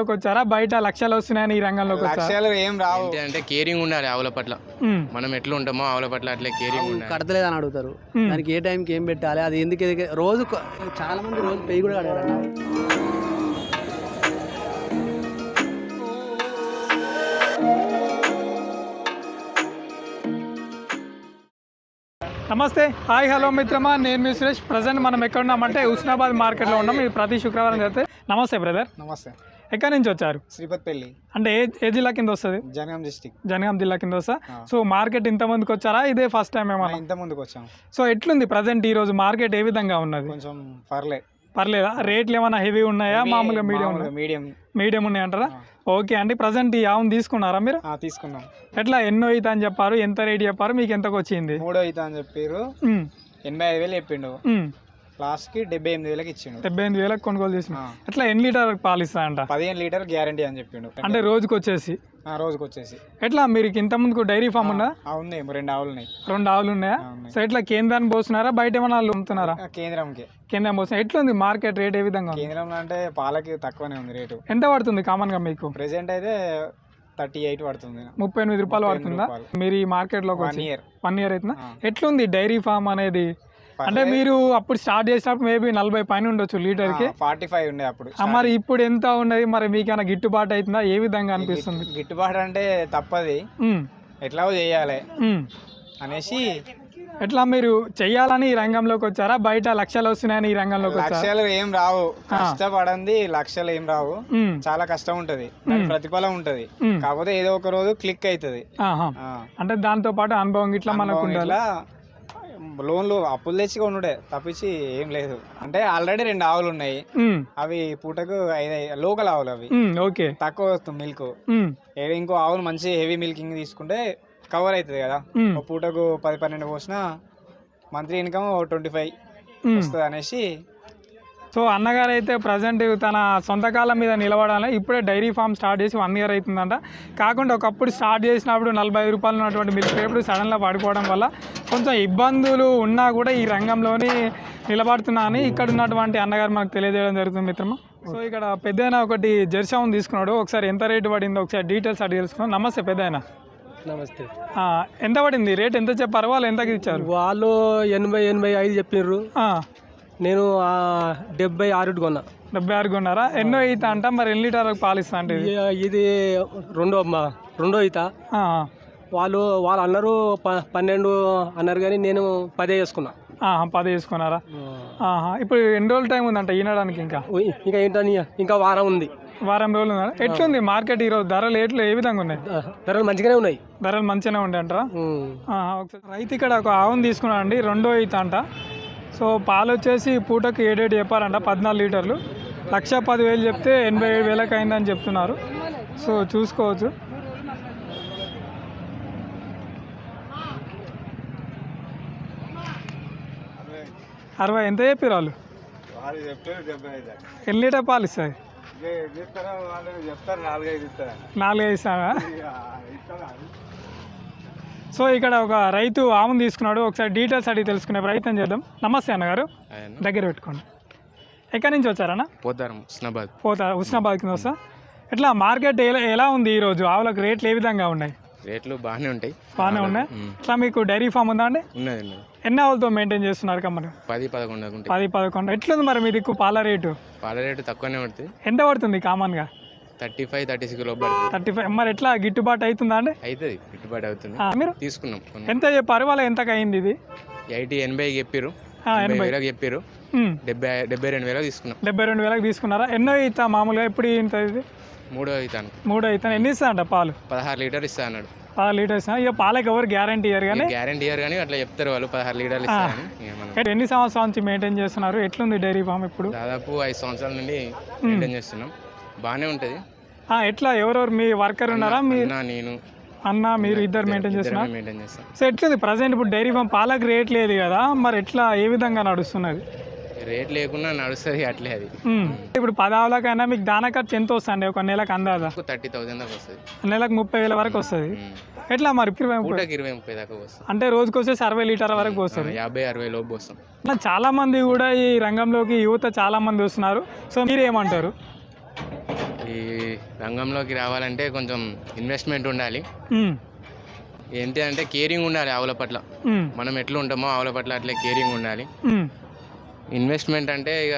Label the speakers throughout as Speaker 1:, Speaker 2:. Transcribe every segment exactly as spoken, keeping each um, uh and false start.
Speaker 1: రంగంలోకి వచ్చారా? బయట లక్షలు వస్తున్నాయని ఈ రంగంలోకి వచ్చారా?
Speaker 2: లక్ష్యాలు ఏం రావు.
Speaker 3: ఏంటి అంటే కేరింగ్ ఉండాలి ఆవుల పట్ల. మనం ఎట్లా ఉంటామో ఆవుల పట్ల అట్లే కేరింగ్ ఉండాలి.
Speaker 4: కడతలేదు అని అడుగుతారు. దానికి ఏ టైంకి ఏం పెట్టాలి, అది ఎందుకు ఎదిగే- రోజు కొ- చాలా మంది రోజు పెయ్యి కూడా కడగారు.
Speaker 1: నమస్తే, హాయ్, హలో మిత్రమా, నేను మీ సురేష్. ప్రజెంట్ మనం ఎక్కడ ఉన్నామంటే హుస్నాబాద్ మార్కెట్లో ఉన్నాం. ఇది ప్రతి శుక్రవారం జరిగితే. నమస్తే బ్రదర్,
Speaker 2: నమస్తే.
Speaker 1: ఎక్కడి నుంచి వచ్చారు?
Speaker 2: శ్రీపతిపల్లి,
Speaker 1: అంటే ఏ ఏ జిల్లా కింద వస్తుంది?
Speaker 2: జనగాం డిస్టిక్.
Speaker 1: జనగాం జిల్లా కింద వస్తా. సో మార్కెట్ ఇంత ముందుకు వచ్చారా? ఇదే ఫస్ట్ టైం ఏమన్నా?
Speaker 2: ఇంత ముందుకు వచ్చాం.
Speaker 1: సో ఎట్లుంది ప్రజెంట్ ఈ రోజు మార్కెట్? ఏ విధంగా ఉన్నది?
Speaker 2: కొంచెం పర్లే
Speaker 1: పర్లేదా? రేట్లు ఏమైనా హెవీ ఉన్నాయా? మామూలుగా మీడియం ఉన్నాయా?
Speaker 2: మీడియం
Speaker 1: మీడియం ఉన్నాయి అంటారా? ఓకే అండి. ప్రజెంట్ ఈ ఆవును తీసుకున్నారా మీరు?
Speaker 2: తీసుకున్నాం.
Speaker 1: ఎట్లా ఎన్నో అవుతా అని చెప్పారు? ఎంత రేట్ చెప్పారు? మీకు ఎంతకు వచ్చింది?
Speaker 2: మూడో అవుతా అని చెప్పారు.
Speaker 1: ఉమ్,
Speaker 2: ఎనభై ఐదు వేలు చెప్పిండు.
Speaker 1: ఉమ్.
Speaker 2: లాస్ట్ కి డెబ్బై ఎనిమిది వేలకు ఇచ్చిండు.
Speaker 1: డెబ్బై ఎనిమిది వేలకు కొనుగోలు చేసిన. ఎట్లా ఎన్ని లీటర్ పాలు ఇస్తా అంట?
Speaker 2: పదిహేను లీటర్ గ్యారంటీ అని చెప్పిండు.
Speaker 1: అంటే రోజుకి వచ్చేసి
Speaker 2: ఆ, రోజుకి వచ్చేసి.
Speaker 1: ఎట్లా మీరు ఇంత ముందుకు డైరీ ఫామ్ ఉందా?
Speaker 2: ఆ, ఉన్నాయి, రెండు ఆవులు ఉన్నాయి.
Speaker 1: రెండు ఆవులు ఉన్నాయా?
Speaker 2: ఆ, ఉన్నాయి.
Speaker 1: సో ఎట్లా కేంద్రాన్ని పోస్తున్నారా? బయట ఏమైనా వాళ్ళు అమ్ముతున్నారా?
Speaker 2: ఆ, కేంద్రంకి.
Speaker 1: కేంద్రం పోస్తున్నా. ఎట్లుంది మార్కెట్ రేట్? ఏ విధంగా ఉంది?
Speaker 2: కేంద్రంలో అంటే పాలకి తక్కువనే ఉంది రేటు.
Speaker 1: ఎంత పడుతుంది కామన్ గా మీకు?
Speaker 2: ప్రెసెంట్ అయితే థర్టీ ఎయిట్ పడుతుంది.
Speaker 1: ముప్పై ఎనిమిది రూపాయలు పడుతుందా? మీరు ఈ మార్కెట్ లోకి
Speaker 2: వన్
Speaker 1: వచ్చి
Speaker 2: ఇయర్
Speaker 1: వన్ ఇయర్ అవుతుందా? ఎట్లుంది డైరీ ఫామ్ అనేది? అంటే మీరు అప్పుడు స్టార్ట్ చేసినప్పుడు మేబీ నలభై పైన ఉండొచ్చు లీటర్ కి.
Speaker 2: ఫార్టీ ఫైవ్ ఉండే అప్పుడు.
Speaker 1: ఆ, మరి ఇప్పుడు ఎంత ఉన్నది? మరి మీకైనా గిట్టుబాటు అవుతుందా? ఏ విధంగా అనిపిస్తుంది?
Speaker 2: గిట్టుబాటు అంటే తప్పది,
Speaker 1: ఉమ్,
Speaker 2: ఎట్లా చేయాలి
Speaker 1: ఉమ్.
Speaker 2: అనేసి.
Speaker 1: ఎట్లా మీరు చెయ్యాలని ఈ రంగంలోకి వచ్చారా? బయట లక్షలు వస్తున్నాయని ఈ రంగంలోకి వచ్చారా?
Speaker 2: లక్ష్యాలు ఏం రావు, కష్టపడండి. లక్ష్యాలు ఏం రావు,
Speaker 1: ఉమ్,
Speaker 2: చాలా కష్టం ఉంటది, దానికి ప్రతిఫలం ఉంటది.
Speaker 1: ఉమ్.
Speaker 2: కాకపోతే ఏదో ఒక రోజు క్లిక్ అవుతుంది.
Speaker 1: ఆహా. అంటే దాంతో పాటు అనుభవం ఇట్లా మనకు ఉండాలి.
Speaker 2: లోన్లు అప్పులు తెచ్చి కొనుడే తప్పించి ఏం లేదు. అంటే ఆల్రెడీ రెండు ఆవులు ఉన్నాయి.
Speaker 1: ఉమ్,
Speaker 2: అవి పూటకు ఐదు లోకల్ ఆవులు. అవి
Speaker 1: ఉమ్, ఓకే.
Speaker 2: తక్కువ వస్తుంది మిల్క్.
Speaker 1: ఉమ్,
Speaker 2: ఇంకో ఆవులు మంచి హెవీ మిల్కింగ్ తీసుకుంటే కవర్ అవుతుంది కదా.
Speaker 1: ఉమ్,
Speaker 2: ఒక పూటకు పది పన్నెండు పోసిన monthly income twenty five
Speaker 1: um.
Speaker 2: వస్తుంది అనేసి.
Speaker 1: సో అన్నగారు అయితే ప్రజెంట్ తన సొంత కాలం మీద నిలబడాలి. ఇప్పుడే డైరీ ఫామ్ స్టార్ట్ చేసి వన్ ఇయర్ అవుతుందంట. కాకుండా ఒకప్పుడు స్టార్ట్ చేసినప్పుడు నలభై ఐదు రూపాయలు ఉన్నటువంటి మిల్క్ ఇప్పుడు సడన్గా పడిపోవడం వల్ల కొంచెం ఇబ్బందులు ఉన్నా కూడా ఈ రంగంలోని నిలబడుతున్నా అని ఇక్కడ ఉన్నటువంటి అన్నగారు మనకు తెలియజేయడం జరుగుతుంది మిత్రమా. సో ఇక్కడ పెద్దయినా ఒకటి జెర్సీ తీసుకున్నాడు. ఒకసారి ఎంత రేటు పడిందో ఒకసారి డీటెయిల్స్ అడిగి తెలుసుకున్నాం. నమస్తే పెద్దయినా.
Speaker 4: నమస్తే.
Speaker 1: ఎంత పడింది? రేట్ ఎంత చెప్పారు? వాళ్ళు ఎంతకి ఇచ్చారు?
Speaker 4: వాళ్ళు ఎనభై ఎనభై ఐదు చెప్పిర్రు.
Speaker 1: ఆ,
Speaker 4: నేను డెబ్బై ఆరు కొన్నా.
Speaker 1: డెబ్బై ఆరు కొన్నారా? ఎన్నో ఈత అంట. మరి ఎన్ని లీటర్ పాలు ఇస్తా అంటే ఇది?
Speaker 4: ఇ- ఇది రెండో మా రెండో ఈత.
Speaker 1: ఆ,
Speaker 4: వాళ్ళు వాళ్ళు అన్నారు ప- పన్నెండు అన్నారు కానీ నేను పదే వేసుకున్నా.
Speaker 1: ఆహా, పది తీసుకున్నారా? ఆహా. ఇప్పుడు ఎన్ని రోజులు టైం ఉందంట ఈనడానికి? ఇంకా
Speaker 4: ఉయ్, ఇంకా ఏంటని ఇంకా వారం ఉంది.
Speaker 1: వారం రోజులు ఉందా? ఎట్లుంది మార్కెట్ ఈరోజు? ధరలు ఎట్లు ఏ విధంగా ఉన్నాయి?
Speaker 4: ధరలు మంచిగానే ఉన్నాయి.
Speaker 1: ధరలు మంచిగానే ఉండే అంటారా?
Speaker 4: ఉమ్.
Speaker 1: ఆహా. ఒకసారి రైతు ఇక్కడ ఒక ఆవును తీసుకున్నాడు అండి, రెండో ఈత అంట. సో పాలు వచ్చేసి పూటకి ఏడేడు చెప్పారంట, పద్నాలుగు లీటర్లు. లక్ష పదివేలు చెప్తే ఎనభై ఏడు వేలకు అయిందని చెప్తున్నారు. సో చూసుకోవచ్చు. అరవై ఎంత చెప్పారు వాళ్ళు? ఎన్ని లీటర్ పాలు ఇస్తుంది? నాలుగైదు ఇస్తారా? సో ఇక్కడ ఒక రైతు ఆవును తీసుకున్నాడు. ఒకసారి డీటెయిల్స్ అడిగి తెలుసుకునే ప్రయత్నం చేద్దాం. నమస్తే అన్నగారు, దగ్గర పెట్టుకోండి. ఎక్కడి నుంచి వచ్చారన్న?
Speaker 3: పోతారు హుస్నాబాద్.
Speaker 1: పోతా హుస్నాబాద్ కింద వస్తా. ఎట్లా మార్కెట్ ఎలా ఎలా ఉంది ఈరోజు? ఆవులకు రేట్లు ఏ విధంగా ఉన్నాయి?
Speaker 3: రేట్లు బాగానే ఉంటాయి.
Speaker 1: బాగానే ఉన్నాయి. ఇట్లా మీకు డైరీ ఫామ్ ఉందా అండి?
Speaker 3: ఉన్నది ఉన్నది.
Speaker 1: ఎన్ని ఆవులతో మెయింటైన్ చేస్తున్నారు కమ్మని?
Speaker 3: పది పదకొండు ఉంటాయి.
Speaker 1: పది పదకొండు. ఎట్లుంది మరి మీ దిక్కు పాల రేటు?
Speaker 3: పాల రేటు తక్కువనే పడుతుంది.
Speaker 1: ఎంత పడుతుంది కామన్గా?
Speaker 3: థర్టీ ఫైవ్ థర్టీ సిక్స్ లోపు పడుతుంది.
Speaker 1: Thirty five. మరి ఎట్లా గిట్టుబాటు అవుతుందా అండి?
Speaker 3: అవుతుంది, గిట్టుబాటు అవుతుంది.
Speaker 1: ఆ, మీరు
Speaker 3: తీసుకున్నాం.
Speaker 1: ఎంత చెప్పారు? వాళ్ళ ఎంతకు అయింది ఇది?
Speaker 3: ఎయిటీ ఎనభై చెప్పారు,
Speaker 1: ఆ,
Speaker 3: ఎనభై
Speaker 1: ఎనభై
Speaker 3: వేలకు చెప్పారు.
Speaker 1: ఉమ్.
Speaker 3: డెబ్బై డెబ్బై రెండు వేలకు తీసుకున్నాం.
Speaker 1: డెబ్బై రెండు వేలకు తీసుకున్నారా? ఎన్నో ఈత మామూలుగా ఎప్పుడు ఇంత ఇది?
Speaker 3: మూడో అవుతాను.
Speaker 1: మూడో ఈత. ఎన్ని ఇస్తా అంట పాలు?
Speaker 3: పదహారు లీటర్ ఇస్తా అన్నాడు.
Speaker 1: పదహారు లీటర్స్. ఇక పాలకి ఎవరు గ్యారంటీ ఇయ్యారు కానీ
Speaker 3: గ్యారంటీ ఇయర్ కానీ అట్లా చెప్తారు వాళ్ళు, పదహారు లీటర్లు ఇస్తారని. ఇక మనం
Speaker 1: ఎన్ని సంవత్సరాల నుంచి మెయింటైన్ చేస్తున్నారు? ఎట్లుంది డైరీ ఫామ్ ఇప్పుడు?
Speaker 3: దాదాపు ఐదు సంవత్సరాల నుండి మెయింటైన్ చేస్తున్నాం. బాగానే ఉంటుంది.
Speaker 1: ఆ, ఎట్లా ఎవరెవరు మీ వర్కర్ ఉన్నారా? మీ
Speaker 3: అన్న నేను
Speaker 1: అన్న మీరు ఇద్దరు మెయింటైన్ చేస్తున్నారు?
Speaker 3: మెయింటైన్ చేస్తాం.
Speaker 1: సో ఎట్లుంది ప్రజెంట్ ఇప్పుడు డైరీ ఫామ్? పాలకు రేట్ లేదు కదా, మరి ఎట్లా ఏ విధంగా నడుస్తున్నది?
Speaker 3: రేట్ లేకుండా నడుస్తుంది అట్లే అది.
Speaker 1: ఉమ్. ఇప్పుడు పదావులకైనా మీకు దానా ఖర్చు ఎంత వస్తుంది ఒక నెలకు అందాదా?
Speaker 3: థర్టీ థౌసండ్ దాకా వస్తుంది.
Speaker 1: నెలకు ముప్పై వేల వరకు వస్తుంది. ఎట్లా మరి ఇరవై ముప్పై?
Speaker 3: పూటకి ఇరవై ముప్పై దాకా వస్తుంది.
Speaker 1: అంటే రోజుకి వచ్చేసి అరవై లీటర్ వరకు వస్తుంది.
Speaker 3: యాభై అరవై లోపు వస్తాం.
Speaker 1: అట్లా చాలా మంది కూడా ఈ రంగంలోకి యువత చాలా మంది వస్తున్నారు. సో మీరేమంటారు?
Speaker 3: ఈ రంగంలోకి రావాలంటే కొంచెం ఇన్వెస్ట్మెంట్ ఉండాలి.
Speaker 1: ఉమ్,
Speaker 3: ఏంటి అంటే కేరింగ్ ఉండాలి ఆవుల పట్ల.
Speaker 1: ఉమ్,
Speaker 3: మనం ఎట్లా ఉంటామో ఆవుల పట్ల అట్లే కేరింగ్ ఉండాలి.
Speaker 1: ఉమ్.
Speaker 3: ఇన్వెస్ట్మెంట్ అంటే ఇక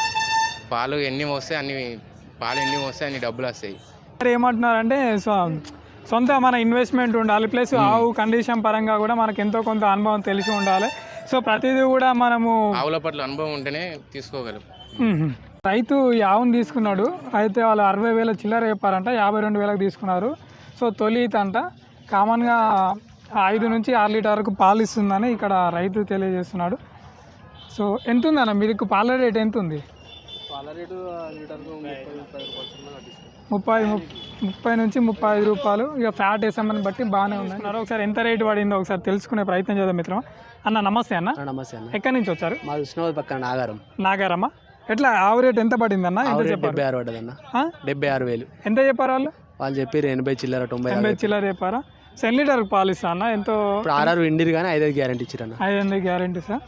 Speaker 3: పాలు ఎన్ని వస్తే అన్ని పాలు ఎన్ని వస్తే అన్ని డబ్బులు వస్తాయి.
Speaker 1: మరి ఏమంటున్నారంటే సొ- సొంత మన ఇన్వెస్ట్మెంట్ ఉండాలి, ప్లస్ ఆవు కండిషన్ పరంగా కూడా మనకు ఎంతో కొంత అనుభవం తెలిసి ఉండాలి. సో ప్రతిదీ కూడా మనము
Speaker 3: ఆవుల పట్ల అనుభవం ఉంటేనే తీసుకోగలం.
Speaker 1: మ్మ్. రైతు ఈ ఆవును తీసుకున్నాడు, అయితే వాళ్ళు అరవై వేల చిల్లర చెప్పారంట, యాభై రెండు వేలకు తీసుకున్నారు. సో తొలి ఈత అంట, కామన్గా ఐదు నుంచి ఆరు లీటర్ వరకు పాలు ఇస్తుందని ఇక్కడ రైతు తెలియజేస్తున్నాడు. సో ఎంత ఉందన్న మీకు పాల రేట్ ఎంత ఉంది?
Speaker 4: పాల రేటు లీటర్కు ముప్పై ముప్పై రూపాయలు
Speaker 1: ముప్పై ము- ముప్పై నుంచి ముప్పై ఐదు రూపాయలు. ఇక ఫ్యాట్ వేసామని బట్టి బాగానే ఉంది. ఒకసారి ఎంత రేటు పడిందో ఒకసారి తెలుసుకునే ప్రయత్నం చేద్దాం మిత్రం. అన్న నమస్తే అన్న,
Speaker 4: నమస్తే అన్న.
Speaker 1: ఎక్కడి నుంచి వచ్చారు?
Speaker 4: మా ఉస్నాబాద్ పక్కన నాగారం.
Speaker 1: నాగారమ్మ. ఎట్లా ఆవు రేట్ ఎంత పడింది అన్న? ఎంత చెప్పారు?
Speaker 4: డెబ్బై ఆరు పడ్డదన్న.
Speaker 1: ఆ?
Speaker 4: డెబ్బై ఆరు వేలు
Speaker 1: ఎంత చెప్పారు వాళ్ళు?
Speaker 4: వాళ్ళు చెప్పారు ఎనభై చిల్లర తొంభై
Speaker 1: ఎనభై చిల్లర చెప్పారా? సో ఎన్ని లీటర్కి పాలు ఇస్తా అన్న? ఎంతో
Speaker 4: ఇప్పుడు ఆర్ఆర్ ఇండిరు కానీ ఐదైదు గ్యారంటీ ఇచ్చారన్న.
Speaker 1: ఐదు వందల గ్యారంటీ సార్.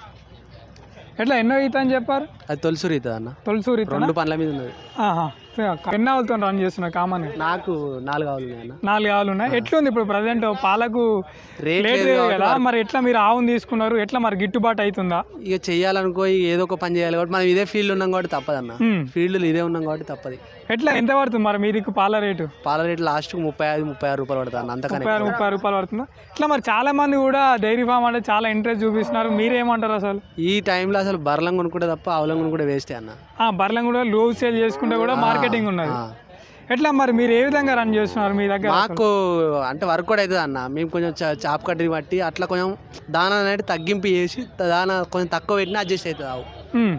Speaker 1: ఎట్లా ఎన్నో ఈత అని చెప్పారు?
Speaker 4: అది తొలిసూరు అవుతుంది అన్న.
Speaker 1: తొలిసూరి ఈత?
Speaker 4: రెండు పనుల మీద ఉన్నది.
Speaker 1: ఆహా. ఎన్ని ఆవులతో రన్ చేస్తున్నా కామన్?
Speaker 4: నాకు నాలుగు ఆవులు ఉన్నాయి అన్న.
Speaker 1: నాలుగు ఆవులు ఉన్నాయి. ఎట్లుంది ఇప్పుడు ప్రజెంట్ పాలకు
Speaker 4: రేట్
Speaker 1: రేట్
Speaker 4: లేదు
Speaker 1: లేదు
Speaker 4: కాబట్టి
Speaker 1: కదా, మరి ఎట్లా మీరు ఆవును తీసుకున్నారు, ఎట్లా మరి గిట్టుబాటు అవుతుందా?
Speaker 4: ఇక చెయ్యాలనుకో ఇక ఏదో ఒక పని చేయాలి కాబట్టి మనం ఇదే ఫీల్డ్ ఉన్నాం కాబట్టి తప్పదన్న.
Speaker 1: ఉమ్.
Speaker 4: ఫీల్డ్లో ఇదే ఉన్నాం కాబట్టి తప్పది.
Speaker 1: ఎట్లా ఎంత పడుతుంది మరి మీ దిక్కు పాల రేటు?
Speaker 4: పాల రేట్ లాస్ట్కి ముప్పై ఐదు ముప్పై ఆరు రూపాయలు పడుతుంది అన్న. అంతకనే
Speaker 1: ముప్పై ఆరు ముప్పై రూపాయలు పడుతుందా? ఇట్లా మరి చాలా మంది కూడా డైరీ ఫామ్ అంటే చాలా ఇంట్రెస్ట్ చూపిస్తున్నారు, మీరేమంటారు అసలు?
Speaker 4: ఈ టైంలో అసలు బర్లం కొనుక్కుంటే తప్ప ఆవులం కొనుక్కుంటే వేస్టే అన్న.
Speaker 1: ఆ బర్లం కూడా లో సేల్ చేసుకుంటే కూడా మార్కెటింగ్ ఉన్నది.
Speaker 4: ఆ.
Speaker 1: ఎట్లా మరి మీరు ఏ విధంగా రన్ చేస్తున్నారు మీ దగ్గర?
Speaker 4: మాకు అంటే వర్క్ కూడా అవుతుంది అన్న. మేము కొంచెం చా- చాప్ కట్టిని బట్టి అట్లా కొంచెం దానా అనేది తగ్గింపు చేసి దానా కొంచెం తక్కువ పెట్టినా అడ్జస్ట్ అవుతుంది ఆవు.
Speaker 1: ఉమ్.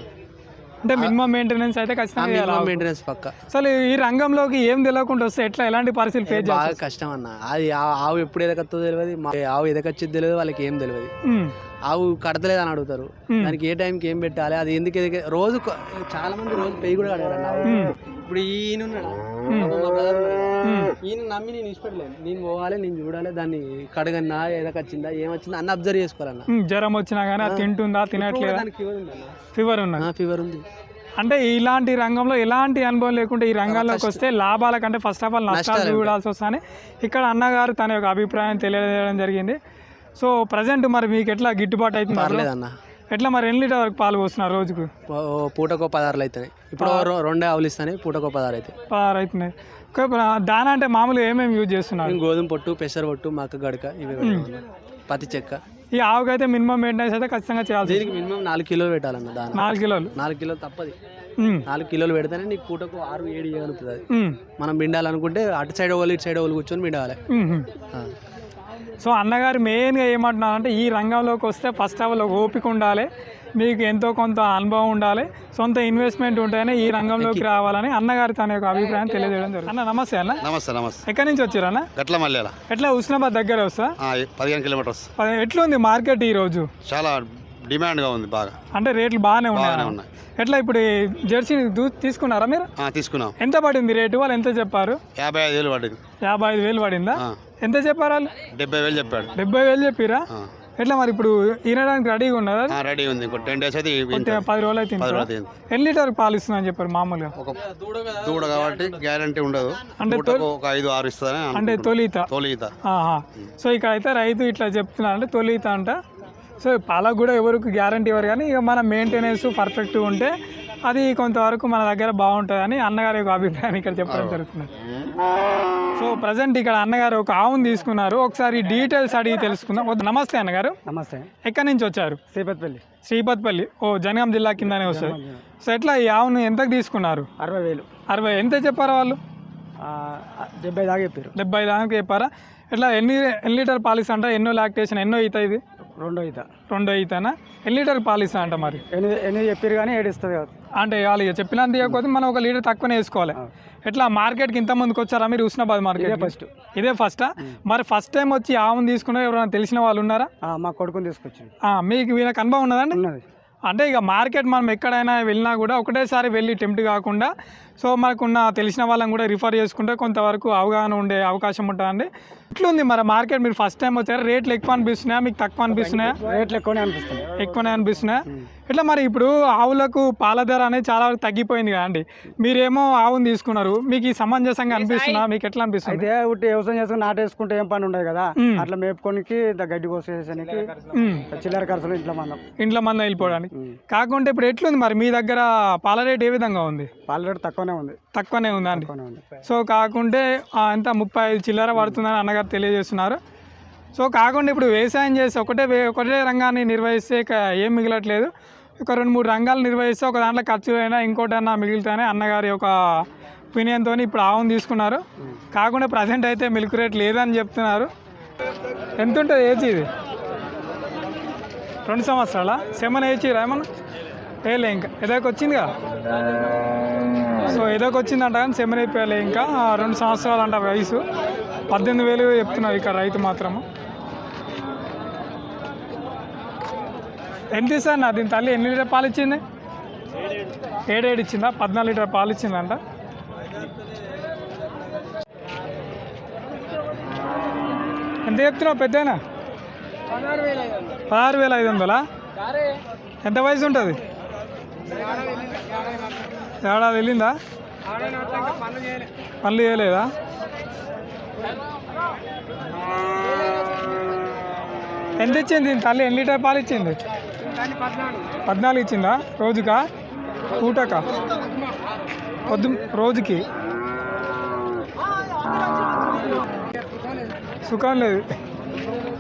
Speaker 1: అంటే మినిమం మెయింటెనెన్స్ అయితే ఖచ్చితంగా చేయాలి ఆవుకు.
Speaker 4: మెయింటెనెన్స్ పక్క.
Speaker 1: అసలు ఈ రంగంలోకి ఏం తెలియకుండా వస్తే ఎట్లా ఎలాంటి పరిస్థితులు ఫేస్
Speaker 4: బాగా
Speaker 1: చేస్తారు?
Speaker 4: కష్టం అన్న. అది ఆ- ఆవు ఎప్పుడు ఎదగత్తో తెలియదు, మా ఆవు ఎదగచ్చేది తెలియదు, వాళ్ళకి ఏం తెలియదు.
Speaker 1: ఉమ్.
Speaker 4: ఆవు కడతలేదు అని అడుగుతారు.
Speaker 1: ఉమ్.
Speaker 4: దానికి ఏ టైంకి ఏం పెట్టాలి, అది ఎందుకు ఎదిగే రోజు కొ- చాలా మంది రోజు పెయ్యి కూడా కడగారు అన్న.
Speaker 1: ఉమ్.
Speaker 4: ఇప్పుడు ఈయన ఉన్నాడా?
Speaker 1: ఉమ్.
Speaker 4: మా brother ఉన్నాడు.
Speaker 1: ఉమ్.
Speaker 4: ఈయన నమ్మి నేను ఇష్టపడలేదు. నేను పోవాలి, నేను చూడాలి, దాన్ని కడగన్నా ఎదకొచ్చిందా ఏమొచ్చిందా అన్న అబ్జర్వ్ చేసుకోవాలన్న.
Speaker 1: ఉమ్, జ్వరం వచ్చినా కానీ అది తింటుందా తినట్లేదా?
Speaker 4: దానికి ఫీవర్ ఉంది అన్న.
Speaker 1: ఫీవర్ ఉన్నది.
Speaker 4: ఫీవర్ ఉంది.
Speaker 1: అంటే ఇలాంటి రంగంలో ఎలాంటి అనుభవం లేకుండా ఈ రంగంలోకి వస్తే లాభాల కంటే ఫస్ట్ ఆఫ్ ఆల్ నష్టాలు
Speaker 4: నష్టాలు
Speaker 1: చూడాల్సి వస్తాయని ఇక్కడ అన్నగారు తన యొక్క అభిప్రాయం తెలియజేయడం జరిగింది. సో ప్రజెంట్ మరి మీకు ఎట్లా గిట్టుబాటు అవుతుంది?
Speaker 4: పర్లేదన్న.
Speaker 1: ఎట్లా మరి ఎన్ని లీటర్ వరకు పాలు పోస్తున్నారు రోజుకు?
Speaker 4: ఓ- ఓ పూటకో పదార్లు అవుతాయి. ఇప్పుడు రొ- రెండే ఆవులు ఇస్తాయి, పూటకో పదారు అవుతాయి.
Speaker 1: పదహారు అవుతున్నాయి. ఓకే, ఇప్పుడు దానా అంటే మామూలుగా ఏమేమి యూజ్ చేస్తున్నారు?
Speaker 4: మేము గోధుమ పొట్టు, పెసర పొట్టు, మక్క గడక ఇవి పెడతామన్న. పత్తి చెక్క.
Speaker 1: ఈ ఆవుకి అయితే మినిమం మెయింటెనెన్స్ అయితే ఖచ్చితంగా చేయాల్సి
Speaker 4: దీనికి మినిమం నాలుగు కిలోలు పెట్టాలన్న. దాని
Speaker 1: నాలుగు కిలోలు.
Speaker 4: నాలుగు కిలోలు తప్పది.
Speaker 1: ఉమ్.
Speaker 4: నాలుగు కిలోలు పెడితేనే నీకు పూటకు ఆరు ఏడు చేయగలుగుతుంది. అది
Speaker 1: ఉమ్.
Speaker 4: మనం పిండాలనుకుంటే అటు సైడ్ వాళ్ళు ఇటు సైడ్ వాళ్ళు కూర్చొని పిండాలి.
Speaker 1: ఉమ్.
Speaker 4: ఆ.
Speaker 1: సో అన్నగారు మెయిన్గా ఏమంటున్నారంటే ఈ రంగంలోకి వస్తే ఫస్ట్ ఆఫ్ ఆల్ ఓపిక ఉండాలి, మీకు ఎంతో కొంత అనుభవం ఉండాలి, సొంత ఇన్వెస్ట్మెంట్ ఉంటేనే ఈ రంగంలోకి రావాలని అన్నగారు తన యొక్క అభిప్రాయం తెలియజేయడం జరుగుతుంది. అన్న నమస్తే అన్న,
Speaker 5: నమస్తే నమస్తే
Speaker 1: ఎక్కడి నుంచి వచ్చారు అన్న?
Speaker 5: గట్ల మల్లెల
Speaker 1: ఎట్లా హుస్నాబాద్ దగ్గర వస్తా?
Speaker 5: పదిహేను కిలోమీటర్స్.
Speaker 1: పది- ఎట్లుంది మార్కెట్ ఈ రోజు?
Speaker 5: చాలా డిమాండ్గా ఉంది బాగా.
Speaker 1: అంటే రేట్లు బాగానే
Speaker 5: బాగానే
Speaker 1: ఉన్నాయి.
Speaker 5: ఉన్నాయి.
Speaker 1: ఎట్లా ఇప్పుడు ఈ జెర్సీ దూ తీసుకున్నారా మీరు?
Speaker 5: ఆ, తీసుకున్నాం.
Speaker 1: ఎంత పడింది రేటు? వాళ్ళు ఎంత చెప్పారు?
Speaker 5: యాభై ఐదు వేలు పడింది.
Speaker 1: యాభై ఐదు వేలు పడిందా?
Speaker 5: ఆ,
Speaker 1: ఎంత చెప్పారు వాళ్ళు?
Speaker 5: డెబ్బై వేలు చెప్పాడు.
Speaker 1: డెబ్బై వేలు చెప్పిరా?
Speaker 5: ఆ,
Speaker 1: ఎట్లా మరి ఇప్పుడు ఈనడానికి రెడీగా ఉన్నదా?
Speaker 5: ఆ, రెడీ ఉంది. ఇంకో టెన్ డేస్ అయితే
Speaker 1: కొంచెం
Speaker 5: ఇంత-
Speaker 1: పది రోజులు అయితే
Speaker 5: పది
Speaker 1: ఇంట్లో.
Speaker 5: రోజులు అయింది.
Speaker 1: ఎన్ని లీటర్ పాలు ఇస్తుందని చెప్పారు మామూలుగా?
Speaker 5: ఒక దూడ కాబట్టి గ్యారంటీ ఉండదు.
Speaker 1: అంటే
Speaker 5: పూటకు ఒక ఐదు ఆరు ఇస్తుందని
Speaker 1: అంటే
Speaker 5: అనుకుంటున్నాం.
Speaker 1: తొలిత.
Speaker 5: తొలిత.
Speaker 1: ఆహా. సో ఇక్కడ అయితే రైతు ఇట్లా చెప్తున్నారు అంటే తొలిత అంట. సో పాలకు కూడా ఎవరికి గ్యారంటీ ఇవ్వరు, కానీ ఇక మన మెయింటెనెన్స్ పర్ఫెక్ట్గా ఉంటే అది కొంతవరకు మన దగ్గర బాగుంటుందని అన్నగారి యొక్క అభిప్రాయాన్ని ఇక్కడ చెప్పడం జరుగుతుంది. సో ప్రజెంట్ ఇక్కడ అన్నగారు ఒక ఆవును తీసుకున్నారు, ఒకసారి డీటెయిల్స్ అడిగి తెలుసుకుందాం. ఓ, నమస్తే అన్నగారు,
Speaker 4: నమస్తే.
Speaker 1: ఎక్కడి నుంచి వచ్చారు?
Speaker 4: శ్రీపతిపల్లి.
Speaker 1: శ్రీపతిపల్లి. ఓ, జనగాం జిల్లా కిందనే వస్తుంది. సో ఎట్లా ఈ ఆవును ఎంతకు తీసుకున్నారు?
Speaker 4: అరవై వేలు.
Speaker 1: అరవై. ఎంత చెప్పారు వాళ్ళు?
Speaker 4: డెబ్బై దాకా చెప్పారు.
Speaker 1: డెబ్బై దాకా చెప్పారా? ఎట్లా ఎన్ని ఎన్ని లీటర్ పాలిస్తా అంట? ఎన్నో లాక్టేషన్, ఎన్నో ఈత ఇది?
Speaker 4: రెండో ఈత.
Speaker 1: రెండో ఈతనా? ఎన్ని లీటర్ పాలిస్తా అంట మరి?
Speaker 4: ఎనిమిది ఎనిమిది చెప్పారు కానీ ఏడు ఇస్తుంది కదా.
Speaker 1: అంటే వాళ్ళు ఇక చెప్పినంత ఇవ్వకపోతే మనం ఒక లీటర్ తక్కువనే వేసుకోవాలి. ఎట్లా మార్కెట్కి ఇంత ముందుకు వచ్చారా మీరు? Husnabad market
Speaker 4: first.
Speaker 1: ఇదే ఫస్టా? మరి ఫస్ట్ టైం వచ్చి ఆవును తీసుకున్నా ఎవరైనా తెలిసిన వాళ్ళు ఉన్నారా?
Speaker 4: మా కొడుకుని తీసుకొచ్చింది.
Speaker 1: ఆ, మీకు వీళ్ళకి అనుభవం ఉన్నదండి?
Speaker 4: ఉన్నది.
Speaker 1: అంటే ఇక మార్కెట్ మనం ఎక్కడైనా వెళ్ళినా కూడా ఒకటేసారి వెళ్ళి టెంప్ట్ కాకుండా సో మనకున్న తెలిసిన వాళ్ళని కూడా రిఫర్ చేసుకుంటే కొంతవరకు అవగాహన ఉండే అవకాశం ఉంటుందండి. ఇట్లుంది మరి మార్కెట్, మీరు ఫస్ట్ టైం వచ్చారు, రేట్లు ఎక్కువ అనిపిస్తున్నాయా మీకు తక్కువ అనిపిస్తున్నాయా?
Speaker 6: రేట్లు ఎక్కువనే అనిపిస్తుంది.
Speaker 1: ఎక్కువనే అనిపిస్తున్నాయా? ఇట్లా మరి ఇప్పుడు ఆవులకు పాల ధర అనేది చాలా వరకు తగ్గిపోయింది కదండి, మీరేమో ఆవును తీసుకున్నారు, మీకు ఈ సమంజసంగా అనిపిస్తున్నా? మీకు ఎట్లా అనిపిస్తుంది?
Speaker 6: అయితే ఉట్టి వ్యవసాయం చేసుకుని నాటేసుకుంటే ఏం పని ఉండదు కదా, అట్లా మేపుకోనికి గడ్డి కోసేసానికి చిల్లర ఖర్చులు ఇంట్లో మనం
Speaker 1: ఇంట్లో మంద వెళ్ళిపోవడానికి. కాకుంటే ఇప్పుడు ఎట్లుంది మరి మీ దగ్గర పాల రేట్ ఏ విధంగా ఉంది?
Speaker 6: పాల రేటు తక్కువనే ఉంది.
Speaker 1: తక్కువనే ఉందా అండి?
Speaker 6: తక్కువనే ఉంది.
Speaker 1: సో కాకుంటే ఎంత ముప్పై ఐదు చిల్లర పడుతుందని అన్నగారు తెలియజేస్తున్నారు. సో కాకుండా ఇప్పుడు వ్యవసాయం చేసి ఒకటే వే- ఒకటే రంగాన్ని నిర్వహిస్తే ఇక ఏం మిగలట్లేదు, ఒక రెండు మూడు రంగాలు నిర్వహిస్తే ఒక దాంట్లో ఖర్చు అయినా ఇంకోటైనా మిగిలితేనే అన్నగారి ఒక ఒపీనియన్తో ఇప్పుడు ఆవును తీసుకున్నారు. కాకుండా ప్రజెంట్ అయితే మిల్క్ రేట్ లేదని చెప్తున్నారు. ఎంత ఉంటుంది ఏజ్ ఇది? రెండు సంవత్సరాల సెమన్ ఏజ్ ఏమన్నా వేయలే ఇంకా ఎదోకి వచ్చిందిగా. సో ఎదోకి వచ్చిందంట కానీ సెమన్ అయిపోయలే ఇంకా, రెండు సంవత్సరాలు అంట వయసు. పద్దెనిమిది వేలు చెప్తున్నారు ఇక్కడ రైతు మాత్రము. ఎంత ఇస్తా అన్న దీని తల్లి? ఎన్ని లీటర్ పాలు ఇచ్చింది? ఏడేడు ఇచ్చిందా? పద్నాలుగు లీటర్ పాలు ఇచ్చిందంట. ఎంత చెప్తున్నావు పెద్దనా? పదహారు వేల ఐదు వందలా? ఎంత వయసు ఉంటుంది? ఏడాది వెళ్ళిందా? పనులు చేయలేదా? ఎంత ఇచ్చింది దీని తల్లి? ఎన్ని లీటర్ పాలు ఇచ్చింది? పద్నాలుగు ఇచ్చిందా? రోజుకా పూటకా? పొద్దు రోజుకి సుఖం లేదు.